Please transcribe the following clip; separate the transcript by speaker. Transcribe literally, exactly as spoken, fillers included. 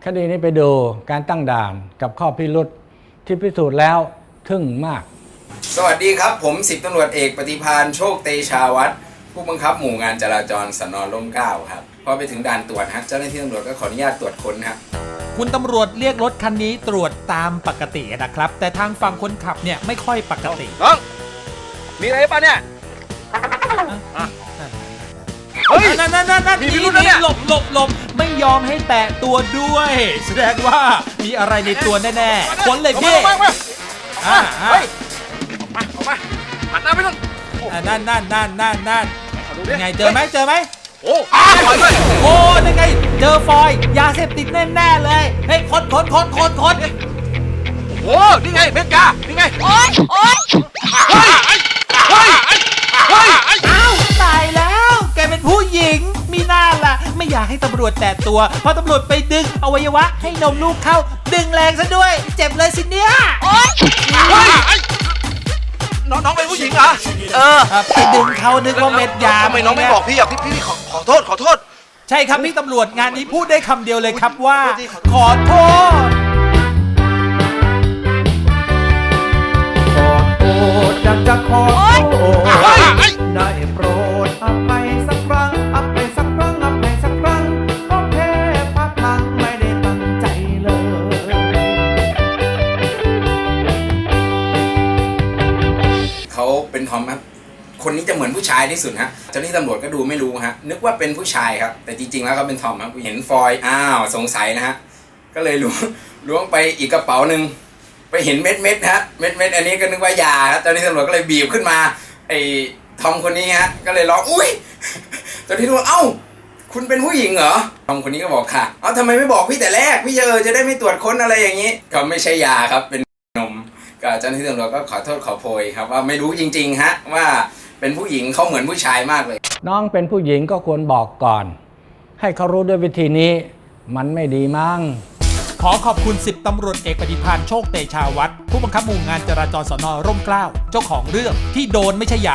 Speaker 1: คดีนี้ไปดูการตั้งด่านกับข้อพิรุธที่พิสูจน์แล้วทึ่งมาก
Speaker 2: สวัสดีครับผมสิบตำรวจเอกปฏิภาณโชคเตชาวัฒน์ผู้บังคับหมู่งานจราจรสน.ร่มเกล้าครับพอไปถึงด่านตรวจฮะเจ้าหน้าที่ตำรวจก็ขออนุญาตตรวจค้นครับ
Speaker 3: คุณตำรวจเรียกรถคันนี้ตรวจตามปกตินะครับแต่ทางฝั่งคนขับเนี่ยไม่ค่อยปกติ
Speaker 4: น้องมีอะไรป่ะเนี่ย
Speaker 3: เฮ้ยนั่นนั่นนั่นนั่นนี่หลบหลบหลบไม่ยอมให้แตะตัวด้วยแสดงว่ามีอะไรในตัวแน่ๆค้นเลยพี่อ่าเฮ้ย
Speaker 4: ออกมาออกมาหันหน้าไปนู่น
Speaker 3: นั่นนั่นนั่นนั่นนั่นยังไงเจอไหมเจอไหม
Speaker 4: โอ้อ้าวเลย
Speaker 3: โอ้ยังไงเจอฟอยยาเสพติดแน่ๆเลยเฮ้ยค้นค้นค้นค้นค้น
Speaker 4: โอ้นี่ไงเม็ดยานี่ไง
Speaker 5: โอ๊ยโอ๊ย
Speaker 4: เฮ้ยเฮ้ยเฮ้ย
Speaker 3: อ้าวตายแล้วแกเป็นผู้หญิงมีหน้าล่ะไม่อยากให้ตำรวจแตะตัวเพราะตำรวจไปดึงอวัยวะให้นมลูกเข้าดึงแรงซะด้วยเจ็บเลยสิเนี่ย
Speaker 5: โอ๊ย
Speaker 4: เฮ้ยน้องน้องเป็นผู้หญิงเหรอ
Speaker 5: เออ
Speaker 3: ไปดึงเขานึกว่าเม็ดยา
Speaker 4: ทำไมน้องไม่บอกพี่อ่ะพี่พี่ขอขอโทษขอโทษ
Speaker 3: ใช่ครับพี่ตำรวจงานนี้พูดได้คำเดียวเลยครับว่าขอโทษ
Speaker 1: ขอโทษอยากจะขอโทษได้โปรดอภัยสักครั้งอภัยสักครั้งอภัยสักครั้งก็แค่พลาดพลั้งไม่ได้ตั้งใจเลย
Speaker 2: เขาเป็นทอมครับคนนี้จะเหมือนผู้ชายที่สุดฮะเจ้าหน้าที่ตำรวจก็ดูไม่รู้ฮะนึกว่าเป็นผู้ชายครับแต่จริงๆแล้วเขาเป็นทอมครับเห็นฟอยอ้าวสงสัยนะฮะก็เลยล้วงล้วงไปอีกกระเป๋าหนึ่งไปเห็นเม็ดเม็ดฮะเม็ดเม็ดอันนี้ก็นึกว่ายาครับเจ้าหน้าที่ตำรวจก็เลยบีบขึ้นมาไอ้ทอมคนนี้ฮะก็เลยร้องอุ้ยเจ้าหน้าที่ตำรวจเอ้าคุณเป็นผู้หญิงเหรอทอมคนนี้ก็บอกค่ะเอ้าทำไมไม่บอกพี่แต่แรกพี่เจอจะได้ไม่ตรวจค้นอะไรอย่างนี้ก็ไม่ใช่ยาครับเป็นนมก็เจ้าหน้าที่ตำรวจก็ขอโทษขอโพยครับว่าไม่รู้จริงๆฮะว่าเป็นผู้หญิงเขาเหมือนผู้ชายมากเลย
Speaker 1: น้องเป็นผู้หญิงก็ควรบอกก่อนให้เขารู้ด้วยวิธีนี้มันไม่ดีมั้ง
Speaker 3: ขอขอบคุณสิบตำรวจเอกปฏิภาณโชคเตชาวัฒน์ผู้บังคับหมู่งานจราจรสน.ร่มเกล้าเจ้าของเรื่องที่โดนไม่ใช่ยา